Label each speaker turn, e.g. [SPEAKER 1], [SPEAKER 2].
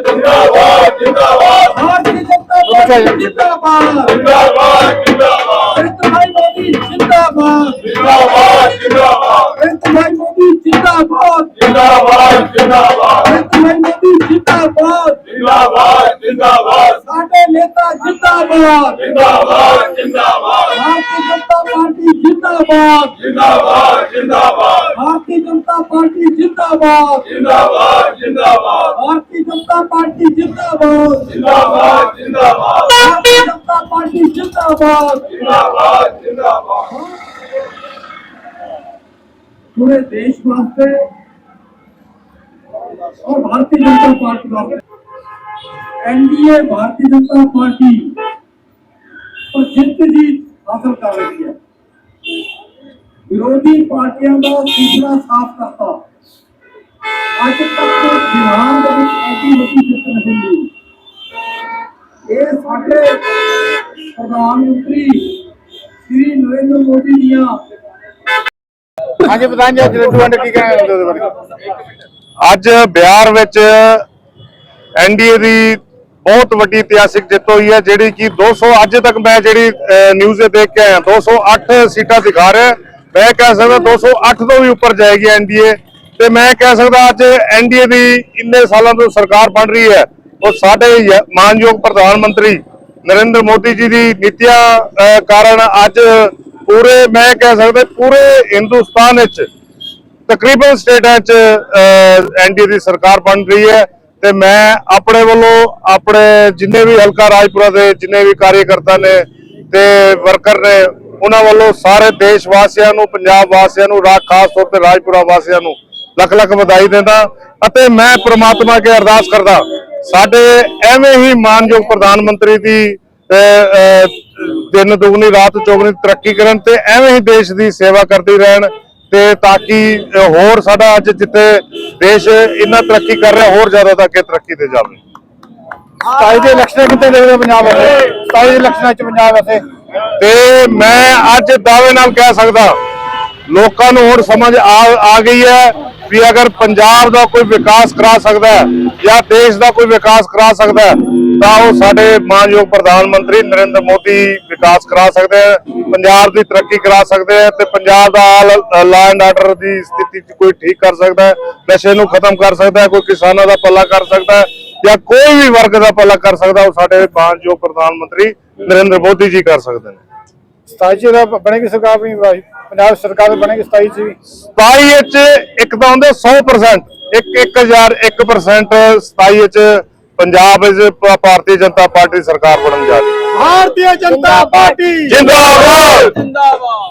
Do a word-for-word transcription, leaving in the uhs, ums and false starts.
[SPEAKER 1] जिंदाबाद जिंदाबाद भारतीय जनता पार्टी जिंदाबाद जिंदाबाद जिंदाबाद भाई मोदी जिंदाबाद जिंदाबाद जिंदाबाद भाई मोदी जिंदाबाद जिंदाबाद जिंदाबाद भाई मोदी जिंदाबाद जिंदाबाद जिंदाबाद साडे नेता जिंदाबाद जिंदाबाद जिंदाबाद भारतीय जनता पार्टी जिंदाबाद जिंदाबाद जिंदाबाद भारतीय जनता पार्टी जिंदाबाद जिंदाबाद जिंदाबाद भारतीय जनता पार्टी जिंदाबाद जिंदाबाद जिंदाबाद भारतीय जनता पार्टी जिंदाबाद जिंदाबाद जिंदाबाद पूरे देश वास्ते और भारतीय जनता पार्टी वास्ते एनडीए भारतीय जनता पार्टी और जित जीत हासिल कर रही है। विरोधी पार्टियों का सूचना साफ करता आज तक बिहार में ऐसी वही जित नहीं मिली। ये साडे प्रधानमंत्री श्री नरेंद्र मोदी दियां
[SPEAKER 2] हाँ जी प्रधान जी की कहना
[SPEAKER 3] ਅੱਜ ਬਿਹਾਰ ਵਿੱਚ ਐਨਡੀਏ ਦੀ ਬਹੁਤ ਵੱਡੀ ਇਤਿਹਾਸਿਕ ਜਿੱਤ ਹੋਈ ਹੈ ਜਿਹੜੀ ਕਿ ਦੋ ਸੌ ਅੱਜ ਤੱਕ ਮੈਂ ਜਿਹੜੀ ਨਿਊਜ਼ ਦੇਖ ਕੇ ਆਇਆ ਦੋ ਸੌ ਅੱਠ ਸੀਟਾਂ ਦਿਖਾ ਰਿਹਾ ਮੈਂ ਕਹਿ ਸਕਦਾ ਦੋ ਸੌ ਅੱਠ ਤੋਂ ਵੀ ਉੱਪਰ ਜਾਏਗੀ ਐਨਡੀਏ ਤੇ ਮੈਂ ਕਹਿ ਸਕਦਾ ਅੱਜ ਐਨਡੀਏ ਦੀ ਇੰਨੇ ਸਾਲਾਂ ਤੋਂ ਸਰਕਾਰ ਬਣ ਰਹੀ ਹੈ ਉਹ ਸਾਡੇ ਮਾਨਯੋਗ ਪ੍ਰਧਾਨ ਮੰਤਰੀ ਨਰਿੰਦਰ ਮੋਦੀ ਜੀ ਦੀ ਨੀਤੀਆਂ ਕਾਰਨ ਅੱਜ ਪੂਰੇ ਮੈਂ ਕਹਿ ਸਕਦਾ ਪੂਰੇ ਹਿੰਦੁਸਤਾਨ ਵਿੱਚ ਤਕਰੀਬਨ ਸਟੇਟਾਂ 'ਚ ਐਨਡੀਏ ਦੀ ਸਰਕਾਰ ਬਣ ਰਹੀ ਹੈ ਤੇ ਮੈਂ ਆਪਣੇ ਵੱਲੋਂ ਆਪਣੇ ਜਿੰਨੇ ਵੀ ਹਲਕਾ ਰਾਜਪੁਰਾ ਦੇ ਜਿੰਨੇ ਵੀ ਕਾਰਜਕਰਤਾ ਨੇ ਤੇ ਵਰਕਰ ਨੇ ਉਹਨਾਂ ਵੱਲੋਂ ਸਾਰੇ ਦੇਸ਼ ਵਾਸੀਆਂ ਨੂੰ ਪੰਜਾਬ ਵਾਸੀਆਂ ਨੂੰ ਖਾਸ ਤੌਰ ਤੇ ਰਾਜਪੁਰਾ ਵਾਸੀਆਂ ਨੂੰ ਲੱਖ ਲੱਖ ਵਧਾਈ ਦਿੰਦਾ ਅਤੇ ਮੈਂ ਪ੍ਰਮਾਤਮਾ ਅੱਗੇ ਅਰਦਾਸ ਕਰਦਾ ਸਾਡੇ ਐਵੇਂ ਹੀ ਮਾਨਯੋਗ ਪ੍ਰਧਾਨ ਮੰਤਰੀ ਦੀ ਦਿਨ ਦੁਗਣੀ ਰਾਤ ਚੌਗੁਣੀ ਤਰੱਕੀ ਕਰਨ ਤੇ ਐਵੇਂ ਹੀ ਦੇਸ਼ ਦੀ ਸੇਵਾ ਕਰਦੇ ਰਹਿਣ ਤੇ ਤਾਂ ਕਿ ਹੋਰ ਸਾਡਾ ਅੱਜ ਜਿੱਥੇ ਦੇਸ਼ ਇੰਨਾ ਤਰੱਕੀ ਕਰ ਰਿਹਾ ਹੋਰ ਜ਼ਿਆਦਾ ਤਾਂ ਅੱਗੇ ਤਰੱਕੀ ਤੇ ਜਾਵੇ।
[SPEAKER 2] ਸਤਾਈ ਦੇ ਇਲੈਕਸ਼ਨ ਕਿੱਥੇ ਦੇਖਦੇ ਪੰਜਾਬ ਵਿੱਚ ਸਤਾਈ ਦੇ ਇਲੈਕਸ਼ਨਾਂ 'ਚ ਪੰਜਾਬ ਵੈਸੇ
[SPEAKER 3] ਤੇ ਮੈਂ ਅੱਜ ਦਾਅਵੇ ਨਾਲ ਕਹਿ ਸਕਦਾ ਲੋਕਾਂ ਨੂੰ ਹੁਣ ਸਮਝ ਆ ਆ ਗਈ ਹੈ ਵੀ ਅਗਰ ਪੰਜਾਬ ਦਾ ਕੋਈ ਵਿਕਾਸ ਕਰਾ ਸਕਦਾ ਹੈ ਜਾਂ ਦੇਸ਼ ਦਾ ਕੋਈ ਵਿਕਾਸ ਕਰਾ ਸਕਦਾ ਹੈ ਤਾਂ ਉਹ ਸਾਡੇ ਮਾਨਯੋਗ ਪ੍ਰਧਾਨ ਮੰਤਰੀ ਨਰਿੰਦਰ ਮੋਦੀ ਵਿਕਾਸ ਕਰਾ ਸਕਦੇ ਹੈ ਪੰਜਾਬ ਦੀ ਤਰੱਕੀ ਕਰਾ ਸਕਦੇ ਹੈ ਤੇ ਪੰਜਾਬ ਦਾ ਲਾ ਐਂਡ ਆਰਡਰ ਦੀ ਸਥਿਤੀ ਕੋਈ ਠੀਕ ਕਰ ਸਕਦਾ ਹੈ ਨਸ਼ੇ ਨੂੰ ਖਤਮ ਕਰ ਸਕਦਾ ਹੈ ਕੋਈ ਕਿਸਾਨਾਂ ਦਾ ਭਲਾ ਕਰ ਸਕਦਾ ਹੈ ਜਾਂ ਕੋਈ ਵੀ ਵਰਗ ਦਾ ਭਲਾ ਕਰ ਸਕਦਾ ਉਹ ਸਾਡੇ ਮਾਨਯੋਗ ਪ੍ਰਧਾਨ ਮੰਤਰੀ ਨਰਿੰਦਰ ਮੋਦੀ ਜੀ ਕਰ ਸਕਦੇ ਨੇ।
[SPEAKER 2] ਸਤਾਈ ਚ ਬਣੇਗੀ ਸਰਕਾਰ ਵੀ ਪੰਜਾਬ ਸਰਕਾਰ ਬਣੇਗੀ ਸਤਾਈ ਚ ਵੀ
[SPEAKER 3] ਸਤਾਈ ਵਿੱਚ ਇੱਕ ਤਾਂ ਹੁੰਦੇ ਸੌ ਪ੍ਰਸੈਂਟ ਇੱਕ ਇੱਕ ਹਜ਼ਾਰ ਇੱਕ ਪਰਸੈਂਟ ਸਤਾਈ ਵਿੱਚ ਪੰਜਾਬ ਵਿੱਚ ਭਾਰਤੀ ਜਨਤਾ ਪਾਰਟੀ ਸਰਕਾਰ ਬਣਨ ਜਾ ਰਹੀ ਹੈ।
[SPEAKER 2] ਭਾਰਤੀ ਜਨਤਾ ਪਾਰਟੀ
[SPEAKER 3] ਜਿੰਦਾਬਾਦ
[SPEAKER 1] जिंदाबाद।